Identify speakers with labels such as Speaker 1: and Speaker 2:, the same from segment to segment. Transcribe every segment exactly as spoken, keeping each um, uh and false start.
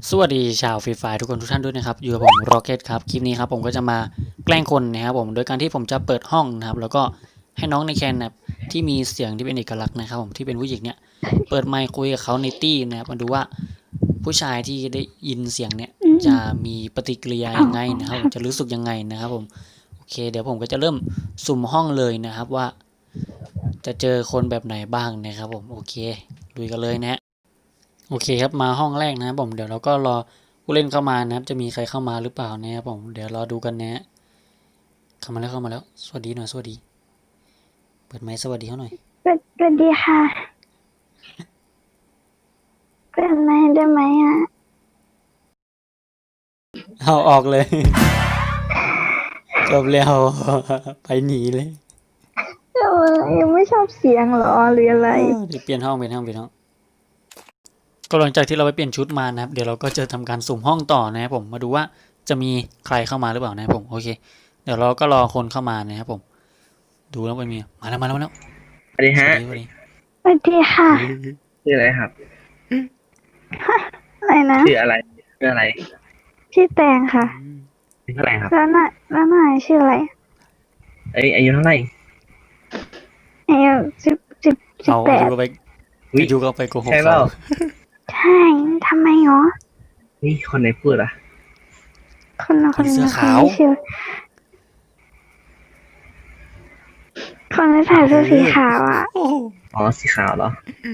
Speaker 1: สวัสดีชาวฟรีไฟทุกคนทุกท่านด้วยนะครับอยู่กับผมร็อกเก็ตครับคลิปนี้ครับผมก็จะมาแกล้งคนนะครับผมโดยการที่ผมจะเปิดห้องนะครับแล้วก็ให้น้องในแคนนะครับที่มีเสียงที่เป็นเอกลักษณ์นะครับผมที่เป็นผู้หญิงเนี่ยเปิดไมค์คุยกับเขาในตี้นะครับมาดูว่าผู้ชายที่ได้ยินเสียงเนี่ยจะมีปฏิกิริยายังไงนะครับผมจะรู้สึกยังไงนะครับผมโอเคเดี๋ยวผมก็จะเริ่มสุ่มห้องเลยนะครับว่า จะเจอคนแบบไหนบ้างนะครับผมโอเคดูกันเลยนะโอเคครับมาห้องแรกนะครับผมเดี๋ยวเราก็รอผู้เล่นเข้ามานะครับจะมีใครเข้ามาหรือเปล่านะครับผมเดี๋ยวรอดูกันนะเข้ามาแล้วเข้ามาแล้วสวัสดีหน่อยสวัสดีเปิดไมค์สวัสดีเขาหน่อย
Speaker 2: สวัสดีค่ะเปิดไมค์ได้ไหมอ่ะ
Speaker 1: เอาออกเลยจบแล้วไปหนีเลย
Speaker 2: เออยังไม่ชอบเสียงหรอหรืออะไร
Speaker 1: เดี๋ยวเปลี่ยนห้องเปลี่ยนห้องเปลี่ยนห้องก็หลังจากที่เราไปเปลี่ยนชุดมานะครับเดี๋ยวเราก็จะทำการสุ่มห้องต่อนะครับผมมาดูว่าจะมีใครเข้ามาหรือเปล่านะครับผมโอเคเดี๋ยวเราก็รอคนเข้ามานะครับผมดูแล้วไปมีมาแล้วมาแล้วมาแล้ว
Speaker 3: สวัสดีฮะ
Speaker 1: สวัสดี
Speaker 2: สวัสดีค่ะ
Speaker 3: ชื่ออะไรครับ
Speaker 2: อะไรนะ
Speaker 3: ชื่ออะไรชื่ออะไร
Speaker 2: ชื่อแตงค่ะ
Speaker 3: อายุเท่าไหร่ครับ
Speaker 2: แล้วน่ะแล้วนายชื่ออะไร
Speaker 3: เอ้ยอายุเท่าไหร่
Speaker 2: อายุสิบสิบสิบ
Speaker 1: เอา
Speaker 2: แปด
Speaker 1: อยู่ก็ไปอยู่ก็ไปโกหก
Speaker 3: ใช่เปล่า
Speaker 2: ใช่ทำไมหรอ
Speaker 3: นี่คนไหนพูดอ่ะ
Speaker 2: คนละคน
Speaker 1: เสื้อ
Speaker 2: ละคน
Speaker 1: ขาว
Speaker 2: ที่ชื่อคนที่ใส่เสื้อสีขาวอ่ะ
Speaker 3: อ๋อสีขาวเหรอ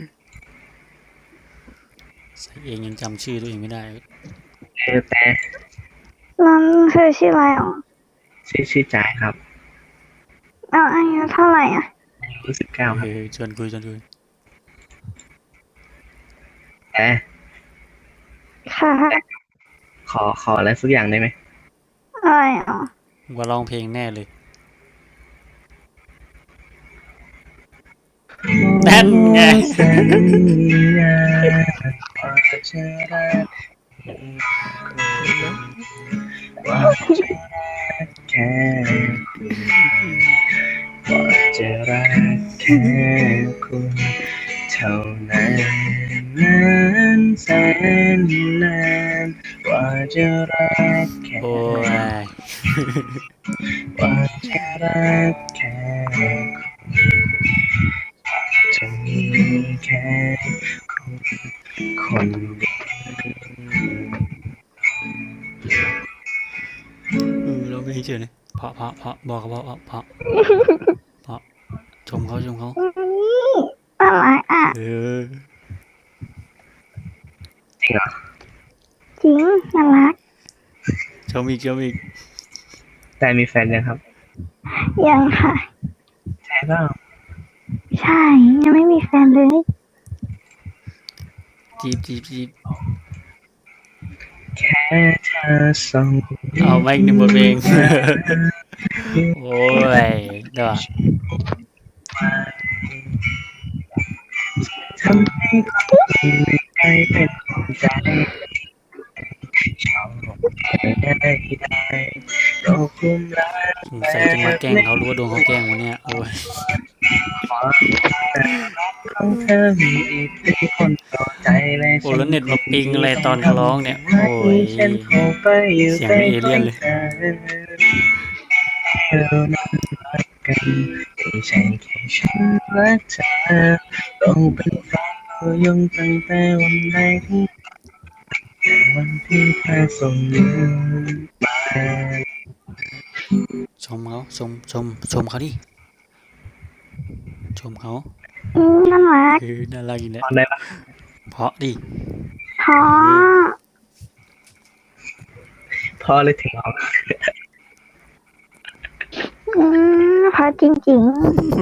Speaker 1: ใส่เองยังจำชื่อตัวเองไม่ได้
Speaker 3: เออแต่
Speaker 2: แล้วเธอชื่ออะไรอ๋อ
Speaker 3: ชื่อชื่อจ่ายครับ
Speaker 2: แล้วอายุเท่าไหร่อ่ะ
Speaker 3: อายุสิบเก้าครับ
Speaker 1: ชวนคุยชวนคุย
Speaker 3: แต่
Speaker 2: ค่ะ
Speaker 3: ขอขออะไรสักอย่างได้ไหม
Speaker 2: อะไรอ๋อ
Speaker 1: ว่าร้องเพลงแน่เลยนั่นไง
Speaker 3: แค่ว่าจะรักแค่คุณเท่านั้นนานแสนนานว่าจะรักแค่
Speaker 1: โอ้ย
Speaker 3: ว่าจะรักแค่จะมีแค่คุณคนเดียว
Speaker 1: เออเราไม่เฉยเลยเพาะเพาะเพาะบอกเขาเพาะเพาะเพาะเพาะชมเขาชมเขา
Speaker 2: อะไรอ่ะ
Speaker 1: เออ
Speaker 3: จริงเหรอ
Speaker 2: จริงน่ารัก
Speaker 1: ชมอีกชมอีก
Speaker 3: แต่มีแฟนยังครับ
Speaker 2: ยังค่ะ
Speaker 3: ใช่เปล่า
Speaker 2: ใช่ยังไม่มีแฟนเลย
Speaker 1: จีบจีบจีบ
Speaker 3: แค่เธอส่ง
Speaker 1: เอาไม่หนึ่งบทเพลงโอ้ยเดี๋ยว
Speaker 3: ทำให้คนไม่ได้เป็นใจชอบได้ได้ก็คุ้มรัก
Speaker 1: สงสัยจะมาแกล้งเขารู้ว่าโดนเขาแกล้งวันเนี้ยโอ้ย
Speaker 3: ของเธอมีอิทธิพลต่อใจและ
Speaker 1: โอ้แล้วเน็ตมาปิงอะไรตอนเขาร้องเนี่ยโอ้ยเสียงเอเลี่ยนเลย
Speaker 3: เรานั้นรักกันไม่ใช่แค่ฉันรักเธอต้องเป็นแฟนตัวยงตั้งแต่วันแรกที่วันที่เธอส่งมือมา
Speaker 1: ชมเขาชมชมชมเขาดิชมเขา
Speaker 2: อืมน่ารัก
Speaker 1: คือน่ารักอีกแล้ว
Speaker 3: ได้ปะ
Speaker 1: เพราะดิ
Speaker 2: พอ
Speaker 3: พอเลยถึงเอา
Speaker 2: อืมพอจริง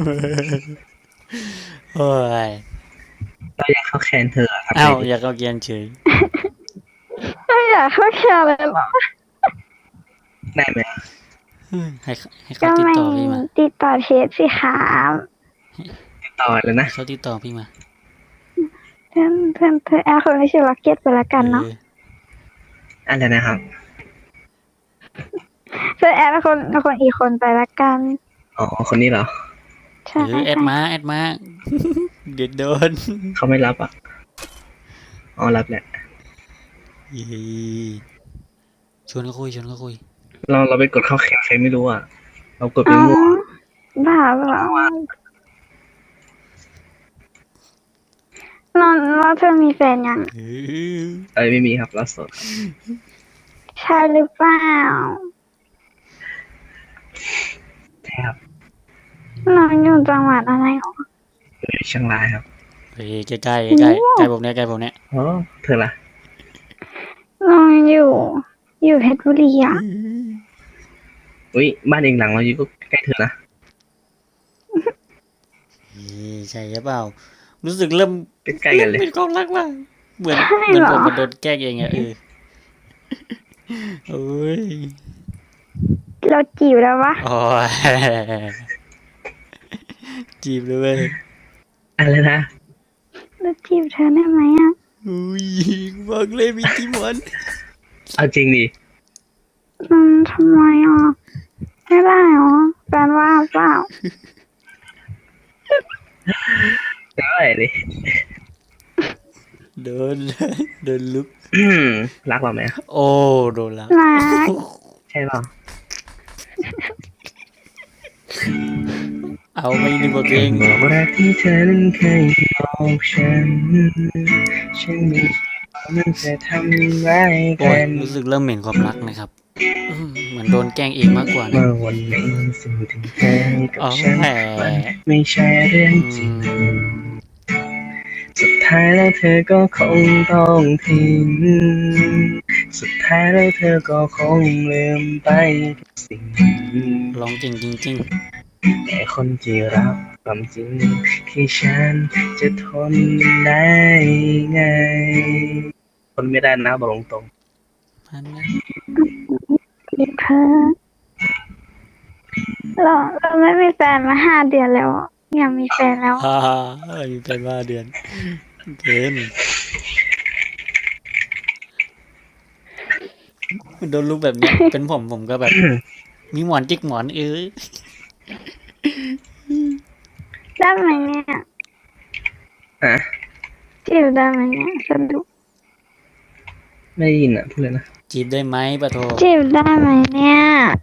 Speaker 1: โอ้ย
Speaker 3: เราอยากเข้าแคนเธอครับ
Speaker 1: อ้าวอยากเอาเกียนเฉย
Speaker 2: ๆไม่อยากเข้าแคร์เลยหรอ
Speaker 3: ได้ไหม
Speaker 1: ให้ให้เขาติดต่อพี่มา
Speaker 2: ติดต่อเพจสิคะ
Speaker 3: ติดต่อเลยนะ
Speaker 1: เขาติดต่อพี่มา
Speaker 2: เพื่อนเพื่อนเพื่อนแอร์คนไม่ใช่ล็อกเก็ตไปละกันเนาะ
Speaker 3: อะไรนะครับ
Speaker 2: เพื่อนแอร์คนคนอีกคนไปละกัน
Speaker 3: อ๋อคนนี้เหรอ
Speaker 2: ใช่
Speaker 1: แอดมาแอดมาเด็ดโดน
Speaker 3: เขาไม่รับอ่ะอ๋อรับแหละ
Speaker 1: เย้ชวนก็คุยชวนก็คุย
Speaker 3: เราเราไปกดเข้าแข่งใครไม่รู้อ่ะ เรากดไป
Speaker 2: เอ้า
Speaker 3: มั่ว
Speaker 2: บ้าเปล่าเราเราเธอมีแฟนยัง
Speaker 1: เออ
Speaker 3: อะไรไม่มีครับเราโสด
Speaker 2: ใช่หรือเปล่า
Speaker 3: ใช่ครับ
Speaker 2: เราอยู่จังหวัดอะไรหรอ
Speaker 3: อยู่เชียงรายครับ
Speaker 1: เฮ้ยใกล้ใกล้ใกล้ใกล้ผมเนี่ยใกล้ผมเนี่ย
Speaker 3: อ๋อเธอล่ะ
Speaker 2: เราอยู่ อยู่เพชรบุรีอ่ะ
Speaker 3: อุ้ยบ้านเองหลังเราอยู่ก็ใกล้เธอนะ
Speaker 1: เฮ้ยใช่หรือเปล่า รู้สึกเริ่ม
Speaker 3: ใกล้ๆกันเลย
Speaker 1: เป็นความรักว่ะเหมือน
Speaker 2: ใช่
Speaker 1: เหมือน
Speaker 2: เหรอ
Speaker 1: ผมมันโดนแกล้งเองอะเออโอ้ย
Speaker 2: เราจีบแล้ววะ
Speaker 1: โอ้ยจีบเลยเว้ย
Speaker 3: อะไรนะ
Speaker 2: เราจีบเธอได้ไหมอ่ะ
Speaker 1: อุ้ยบอกเลยมีจิมอน
Speaker 3: เอาจริงดิ
Speaker 2: อืมทำไมอ่ะ ไม่ได้หรอแฟนว่าเปล่า
Speaker 3: ได้เลย
Speaker 1: โดนโดนลุก
Speaker 3: อืมรักเราไหม
Speaker 1: โอ้โดนแล้ว
Speaker 2: รัก
Speaker 3: ใช่เปล่า
Speaker 1: เอาไม่นึกว่าเอง
Speaker 3: บอกรักที่เธอนั้นเคยบอกฉัน ฉันไม่คิดว่ามันจะทำร้าย
Speaker 1: โอ้
Speaker 3: กั
Speaker 1: ย
Speaker 3: น
Speaker 1: รู้สึกเริ่มเหม็นความรักนะครับอืมเหมือนโดนแกล้งเองมากกว่านะ
Speaker 3: เมื่อวันหนึ่งสิ่งที่เธอให้กับ
Speaker 1: อ๋อ
Speaker 3: ฉัน
Speaker 1: แหม
Speaker 3: มันไม่ใช่เรื่องจริง สุดท้ายแล้วเธอก็คงต้องทิ้ง สุดท้ายแล้วเธอก็คงลืมไปทุกสิ่ง
Speaker 1: ร้องเก่งจริง
Speaker 3: แต่คนที่รับความจริงที่ฉันจะทนได้ไง ทนไม่ได้นะบอกตรง
Speaker 1: ๆพันนะ
Speaker 2: จีบเธอเราเราไม่มีแฟนมาห้าเดือนแล้วอะอยากมีแฟนแล้ว
Speaker 1: ฮ่าฮ่ามีเป็นว่าเดือนเกินโดนลุกแบบเนี้ยเป็นผมผมก็แบบ มีหมอนจิกหมอนเอ้ย
Speaker 2: ได้ไหมเนี่ย
Speaker 3: ๆอ่ะ
Speaker 2: จีบได้ไหมเนี่ยสนุก
Speaker 3: ไม่ได้ยินอ่ะพูดเลยนะ
Speaker 1: จีบได้ไหมปะโท
Speaker 2: จีบได้ไหมเนี่ย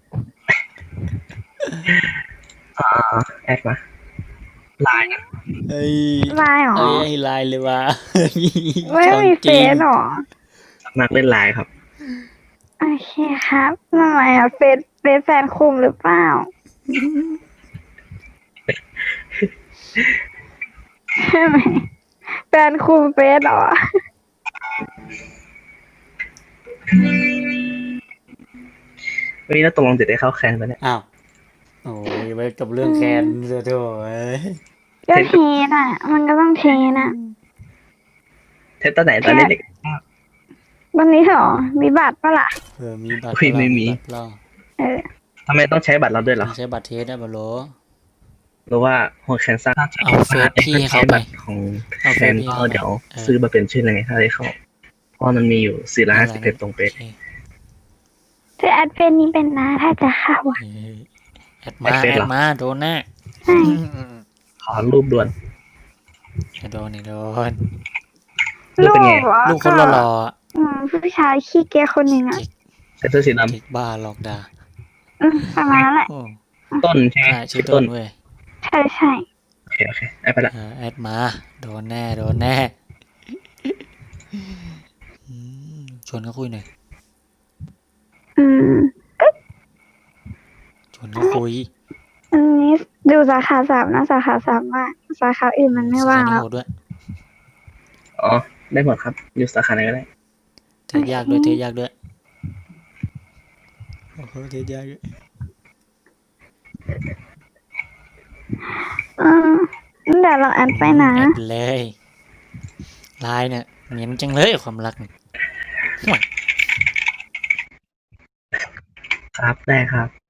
Speaker 3: อ่าแอดมาไลน์นะ
Speaker 1: เอ้ย
Speaker 2: ไลน์หรอ
Speaker 1: เอ้ยให้ไลน์เลยว่ะ
Speaker 2: ไม่มีเฟซหรอ
Speaker 3: นักเล่นไลน์ครับ
Speaker 2: โอเคครับทำไมอ่ะเฟซเฟซแฟนคุมหรือเปล่า ใช่ไหมแฟนคุมเฟซเหรอ
Speaker 3: วันนี้เราตกลงติดได้เข้าแคนไปเนี่ย
Speaker 1: อ้าวโอ้ยไว้กับเรื่องแคนเสียโถเอ้ย
Speaker 2: ก็เทสอ่ะ มันก็ต้องเทสอ่ะ
Speaker 3: เทสตอนไหนตอนเด็ก
Speaker 2: วันนี้เหรอ มีบัตรปะล่ะ
Speaker 1: เออมีบัตร
Speaker 3: อุ๊ยไม่มี
Speaker 1: บัตรเปล่า
Speaker 2: เออ
Speaker 3: ๆทำไมต้องใช้บัตรเราด้วยเหรอ
Speaker 1: ต้องใช้บัตรเทสได้บะโหล
Speaker 3: หรือว่าหัวแคนซ่า
Speaker 1: เอาเฟซพี่เข้าไป
Speaker 3: บัตรของ
Speaker 1: เอา
Speaker 3: แฟ
Speaker 1: เฟซ
Speaker 3: น
Speaker 1: พี่
Speaker 3: ก็
Speaker 1: เข้าไป
Speaker 3: เดี๋ยว
Speaker 1: เออ
Speaker 3: ซื้อมาเป็นชื่ออะไรไงถ้าได้เข้าเพราะมันมีอยู่สี่ร้อยห้าสิบเพจตรงเป๊ะ
Speaker 1: โอค
Speaker 2: เธอแอดเฟซนี้เป็นนะถ้าจะเข้าอ่ะ
Speaker 1: เอ้ยแอดมาแอดมาโดนแน่
Speaker 2: ใช่
Speaker 3: ขอรูปด่วน
Speaker 1: โดนนี่โดน
Speaker 3: รูปเป็นไง
Speaker 2: เหรอ
Speaker 1: ลูกคนหล่อๆอะ
Speaker 2: อืมผู้ชายขี้เกียจคนหนึ่งอ่ะ
Speaker 3: ใส่เสื้อสีด
Speaker 1: เด็กบ้าหลอกด่า
Speaker 2: อืมประมาณนั้นแหละ
Speaker 1: โอ้
Speaker 3: ำต้นใช่ไหม
Speaker 1: ใช่ชื่อ
Speaker 3: ต้
Speaker 1: ต้
Speaker 3: น
Speaker 1: นเว้ย
Speaker 2: ใช่ใช่
Speaker 3: โอเคโอเคไอ้ไปละ
Speaker 1: เออแอดมาโดนแน่โดนแน่อืมชวนเขาคุยหน่อย
Speaker 2: อืม
Speaker 1: ชวนเขาคุย
Speaker 2: อันนี้ดูสาขาสามนะสาขาสามว่าสาขาอื่นมันไม่ว่าง
Speaker 1: สถ
Speaker 2: แล้ว
Speaker 1: โหดด้วย
Speaker 3: อ๋อได้หมดครับอยู่สาขาไหนก็ได้
Speaker 1: เทสยากด้วยเทสยากด้วยโอ้โหเทสยากด้วย
Speaker 2: อืมเดี๋ยวเราแอดไปนะ
Speaker 1: แอดเลยไลน์เนี่ยเหนียนจังเลยความรักเนี่ย
Speaker 3: ครับได้ครับ